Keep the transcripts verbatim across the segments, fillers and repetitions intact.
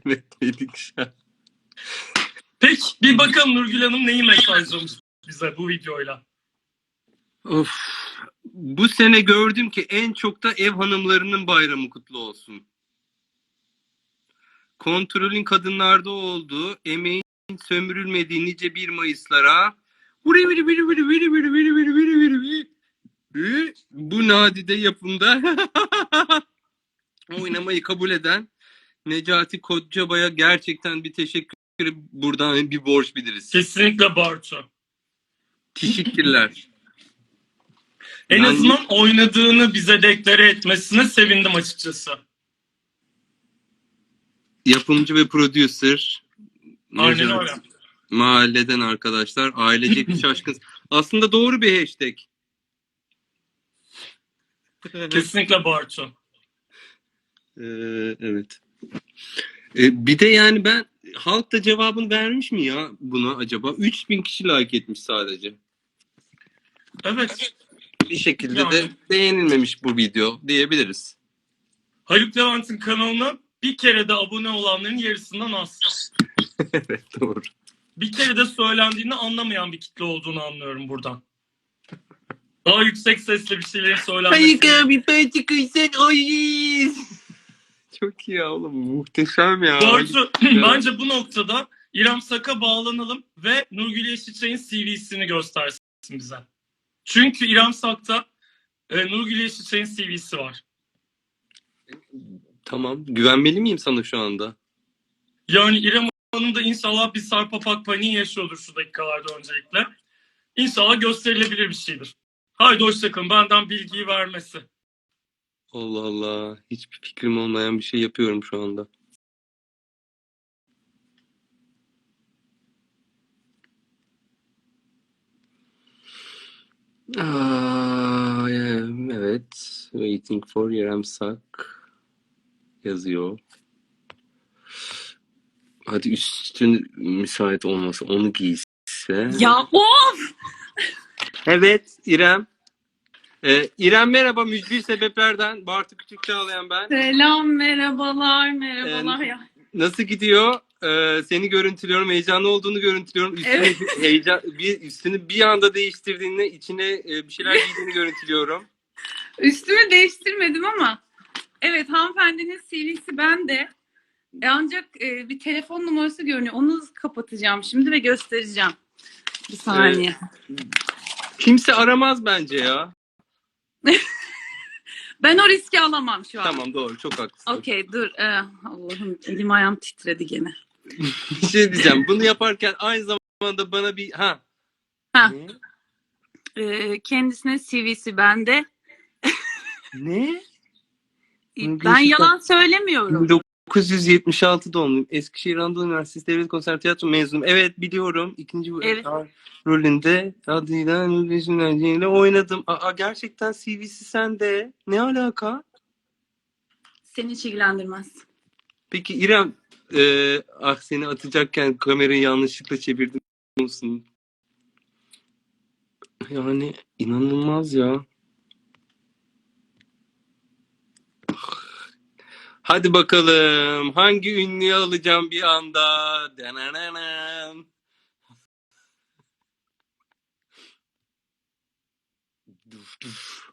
Evet, şu an. Peki bir bakalım Nurgül Hanım neyi mesajlamış bize bu videoyla. Of. Bu sene gördüm ki en çok da ev hanımlarının bayramı kutlu olsun. Kontrolün kadınlarda olduğu, emeğin sömürülmediği nice bir Mayıs'lara bu nadide yapımda oynamayı kabul eden Necati Kocabay'a gerçekten bir teşekkür buradan bir borç biliriz. Kesinlikle Bartu. Teşekkürler. En Yani... azından oynadığını bize deklare etmesine sevindim açıkçası. Yapımcı ve prodüser. Aynen öyle. Mahalleden arkadaşlar. Ailecek bir şaşkın. Aslında doğru bir hashtag. Kesinlikle Bartu. Ee, evet. Ee, bir de yani ben halk da cevabını vermiş mi ya buna acaba? üç bin kişi like etmiş sadece. Evet. Bir şekilde yani... de beğenilmemiş bu video diyebiliriz. Haluk Levent'in kanalına bir kere de abone olanların yarısından az. Evet, doğru. Bir kere de söylendiğini anlamayan bir kitle olduğunu anlıyorum buradan. Daha yüksek sesle bir şeylerin söylenmesi. Hayır abi ben çıkıysan ay. Çok iyi ya oğlum, muhteşem ya. Bartu bence bu noktada İrem Sak'a bağlanalım ve Nurgül Yeşilçay'ın C V'sini göstersin bize. Çünkü İrem Sak'ta e, Nurgül Yeşilçay'ın C V'si var. Tamam. Güvenmeli miyim sana şu anda? Yani İrem Hanım da inşallah bir sarpapak paniği yaşıyordur şu dakikalarda öncelikle. İnşallah gösterilebilir bir şeydir. Haydi hoşçakalın. Benden bilgiyi vermesi. Allah Allah. Hiçbir fikrim olmayan bir şey yapıyorum şu anda. Aa, evet. Waiting for İrem Sak yazıyor. Hadi üstün müsait olmasa onu giyse. Ya of! Evet İrem. Ee, İrem merhaba, mücbir sebeplerden. Bartu Küçük Çağlayan ben. Selam, merhabalar, merhabalar Ee, ya. Nasıl gidiyor? Ee, seni görüntülüyorum, heyecanlı olduğunu görüntülüyorum. Üstüne Evet. bir heyecan, bir üstünü bir anda değiştirdiğinde içine e, bir şeyler giydiğini görüntülüyorum. Üstümü değiştirmedim ama evet, hanımefendinin C V'si bende. E, ancak e, bir telefon numarası görünüyor. Onu kapatacağım şimdi ve göstereceğim. Bir saniye. Ee, kimse aramaz bence ya. Ben o riski alamam şu an. Tamam, doğru, çok haklısın. Okey, dur. Ee, Allah'ım, elim ayağım titredi gene. Bir şey diyeceğim. Bunu yaparken aynı zamanda bana bir... Ha. Ha. Ee, kendisine C V'si bende. Ne? Ben yalan söylemiyorum. bin dokuz yüz yetmiş altı doğumluyum. Eskişehir Anadolu Üniversitesi Devlet Konservatuvarı mezunum. Evet, biliyorum. İkinci Evet. rolünde adıyla ile oynadım. Aa, gerçekten C V'si sende. Ne alaka? Seni hiç ilgilendirmez. Peki İrem, e, ah seni atacakken kamerayı yanlışlıkla çevirdim musun? Yani inanılmaz ya. Hadi bakalım. Hangi ünlüyü alacağım bir anda? Dananam. Duf duf.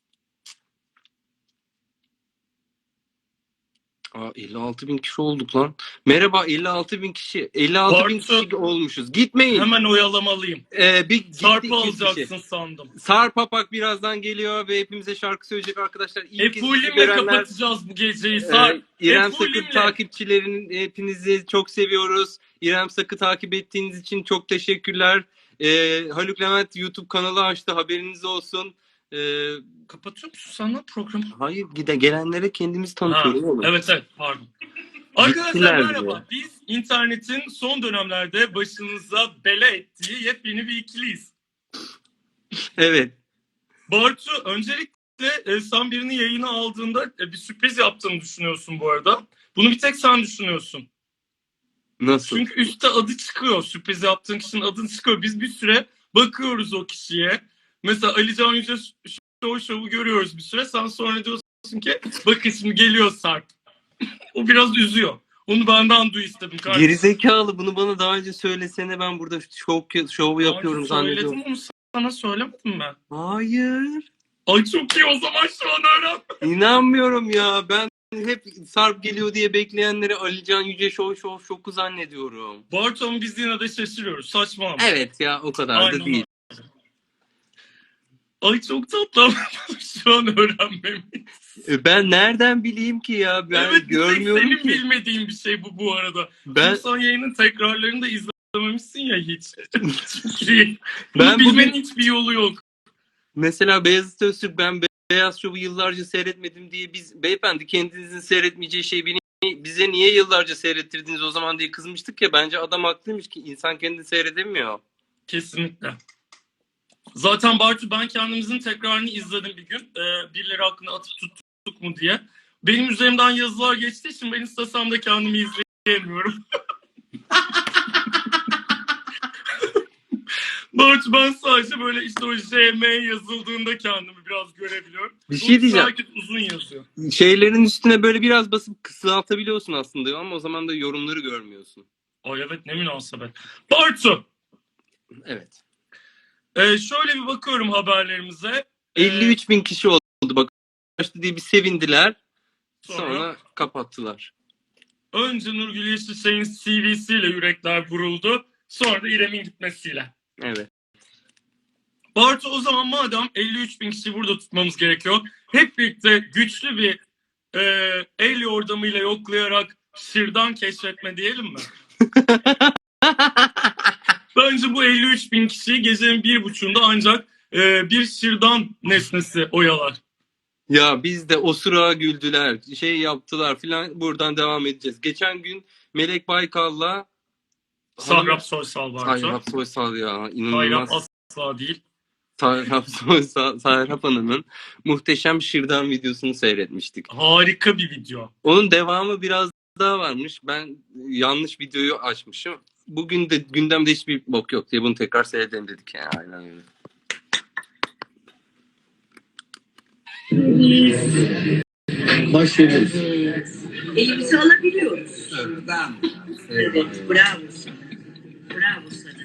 Aa, elli altı bin kişi olduk lan. Merhaba, elli altı bin kişi. elli altı bin kişi olmuşuz. Gitmeyin. Hemen oyalamalıyım. Ee, bir Sarp'ı alacaksın sandım. Sarp Apak birazdan geliyor ve hepimize şarkı söyleyecek arkadaşlar. Efulimle görenler... kapatacağız bu geceyi. Sarp. Ee, İrem Sak'ın takipçilerinin hepinizi çok seviyoruz. İrem Sak'ı takip ettiğiniz için çok teşekkürler. Ee, Haluk Levent YouTube kanalı açtı. Haberiniz olsun. Ee, Kapatıyor musun sen lan programı? Hayır, gide gelenlere kendimiz tanıtıyoruz. Evet evet, pardon. Arkadaşlar merhaba. Biz internetin son dönemlerde başınıza bela ettiği yepyeni bir ikiliyiz. Evet. Bartu, öncelikle e, sen birini yayına aldığında e, bir sürpriz yaptığını düşünüyorsun bu arada. Bunu bir tek sen düşünüyorsun. Nasıl? Çünkü üstte adı çıkıyor. Sürpriz yaptığın kişinin adı çıkıyor. Biz bir süre bakıyoruz o kişiye. Mesela Ali Can Yüce Show Show'u görüyoruz bir süre. Sen sonra diyorsun ki bakın şimdi geliyor Sarp. O biraz üzüyor. Onu benden duy istedim kardeşim. Gerizekalı, bunu bana daha önce söylesene, ben burada şov, şov yapıyorum zannediyorum. Söyledim, onu sana söylemedim ben. Hayır. Ay çok iyi, o zaman şu an öğren. İnanmıyorum ya. Ben hep Sarp geliyor diye bekleyenleri Alican Yüce Şov Şov Şok'u zannediyorum. Barton, biz yine de şaşırıyoruz. Saçma ama. Evet ya, o kadar Aynen da değil. Ay çok tatlı ama şu an öğrenmemiz. E, Ben nereden bileyim ki ya? Ben Evet, görmüyorum senin ki. bilmediğin bir şey bu bu arada. Ben Çünkü sen yayının tekrarlarını da izlememişsin ya hiç. Çünkü bunu Ben bilmenin bugün- hiçbir yolu yok. mesela Beyazıt Öztürk, ben Be- Beyaz Şov'u yıllarca seyretmedim diye, biz beyefendi kendinizin seyretmeyeceği şeyi beni- bize niye yıllarca seyrettirdiniz o zaman diye kızmıştık ya. Bence adam haklıymış ki, insan kendini seyredemiyor. Kesinlikle. Zaten Bartu, ben kendimizin tekrarını izledim bir gün. Ee, birileri hakkında atıp tuttuk mu diye. Benim üzerimden yazılar geçtiği için ben istesem de kendimi izleyemiyorum. Bartu, ben sadece böyle işte o J M yazıldığında kendimi biraz görebiliyorum. Bir şey diyeceğim. Herkes uzun yazıyor. Şeylerin üstüne böyle biraz basıp kısaltabiliyorsun aslında ama o zaman da yorumları görmüyorsun. Ay evet, ne münasebet. Bartu, Evet. e, şöyle bir bakıyorum haberlerimize. E, elli üç bin kişi oldu bak. Başta diye bir sevindiler. Sonra, Sonra? kapattılar. Önce Nurgül Yeşilçay'ın C V'siyle yürekler vuruldu. Sonra da İrem'in gitmesiyle. Evet. Bartu, o zaman madem elli üç bin kişi burada tutmamız gerekiyor, hep birlikte güçlü bir e, el yordamıyla yoklayarak şırdan keşfetme diyelim mi? Bence bu elli üç bin kişiyi gecenin bir buçuğunda ancak e, bir şırdan nesnesi oyalar. Ya biz de osura güldüler, şey yaptılar filan, buradan devam edeceğiz. Geçen gün Melek Baykal'la Sahrap Soysal Bartu. Sahrap Soysal ya, Sahrap inanılmaz. asla değil. Sahrap Soysal, Sahrap Hanım'ın muhteşem şırdan videosunu seyretmiştik. Harika bir video. Onun devamı biraz daha varmış. Ben yanlış videoyu açmışım. Bugün de gündemde hiçbir bok yok diye bunu tekrar seyredelim dedik yani. Aynen öyle. Başlıyoruz. Elimizi alabiliyoruz. Şuradan. Evet, bravo sana. Bravo sana.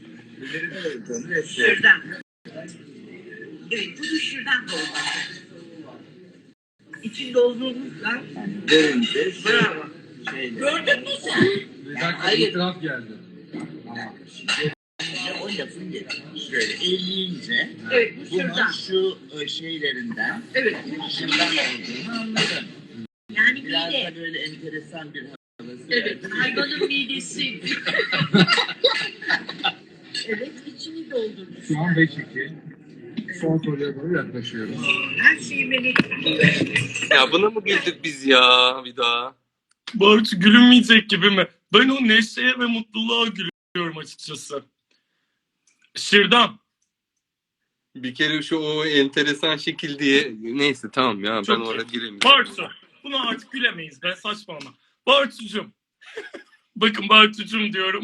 Şuradan. Evet, bunu şuradan dolduracağız. İçinde olduğumuzda Görünce bravo. şeyle. Gördün mü sen? Bir dakika, itiraf geldi. Ama şimdi o lafın gelişi. Şöyle elleyince Evet, bu bunun şuradan. şu e, şeylerinden Evet. şırdan olduğunu anladım. Yani Biraz mide. da böyle enteresan bir havası. Evet, verdi. hayvanın midesi. Evet, içini doldurmuş. Şu an beş iki. Son soruya doğru yaklaşıyoruz. Her şeyi melek. Ya buna mı güldük biz ya bir daha? Bartu, gülünmeyecek gibi mi? Ben o neşeye ve mutluluğa gülüyorum açıkçası. Şırdan. Bir kere şu o enteresan şekil diye, neyse tamam ya, Çok ben iyi. oraya giremeyeceğim. Bartu. Buna artık gülemeyiz. Ben saçmalama. Bartucuğum. Bakın Bartucuğum diyorum.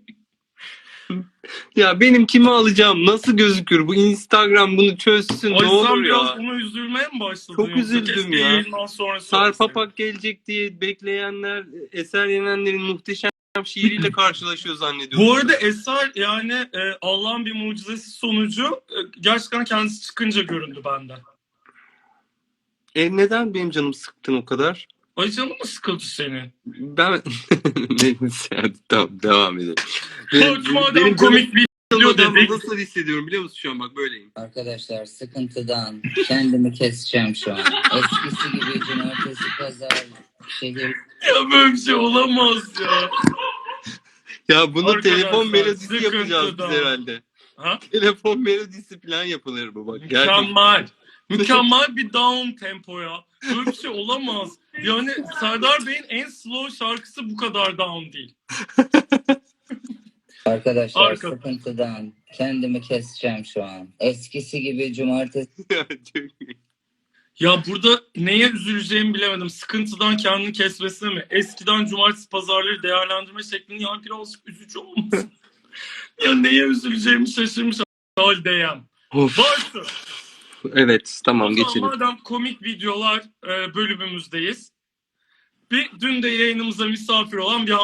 Ya benim kimi alacağım, nasıl gözükür bu, Instagram bunu çözsün Ay ne olur sen biraz ya. ona üzülmeye mi başladın? Çok yoksa? üzüldüm Keşke ya. yayından sonra Sarp söyleseydin. Apak gelecek diye bekleyenler Eser Yenenler'in muhteşem şiiriyle karşılaşıyor zannediyorum. Bu arada Eser yani e, Allah'ın bir mucizesi sonucu e, gerçekten kendisi çıkınca göründü bende. E neden benim canım sıktın o kadar? Ay canım mı sıkıldı senin? Ben neyse hadi tamam devam edelim. Bartu, madem benim komik bir video canım dedik. nasıl hissediyorum biliyor musun şu an, bak böyleyim. Arkadaşlar sıkıntıdan kendimi keseceğim şu an. Eskisi gibi cumartesi, pazar, şehir Ya böyle bir şey olamaz ya. Ya bunu Arkadaşlar, telefon melodisi sıkıntıdan. yapacağız biz herhalde. Ha? Telefon melodisi falan yapılır bu bak. Gerçekten. Mükemmel. Mükemmel bir down tempo ya. Böyle bir şey olamaz. Yani Serdar Bey'in en slow şarkısı bu kadar down değil. Arkadaşlar Arka- sıkıntıdan kendimi keseceğim şu an. Eskisi gibi cumartesi, Ya, çok iyi. Ya burada neye üzüleceğimi bilemedim. Sıkıntıdan kendini kesmesine mi? Eskiden cumartesi pazarları değerlendirme şeklini ya birazcık üzücü olmasın? Ya neye üzüleceğimi şaşırmış haldeyim. Of. Bartu. Evet O tamam zaman geçelim. madem komik videolar e, bölümümüzdeyiz. Bir dün de yayınımıza misafir olan bir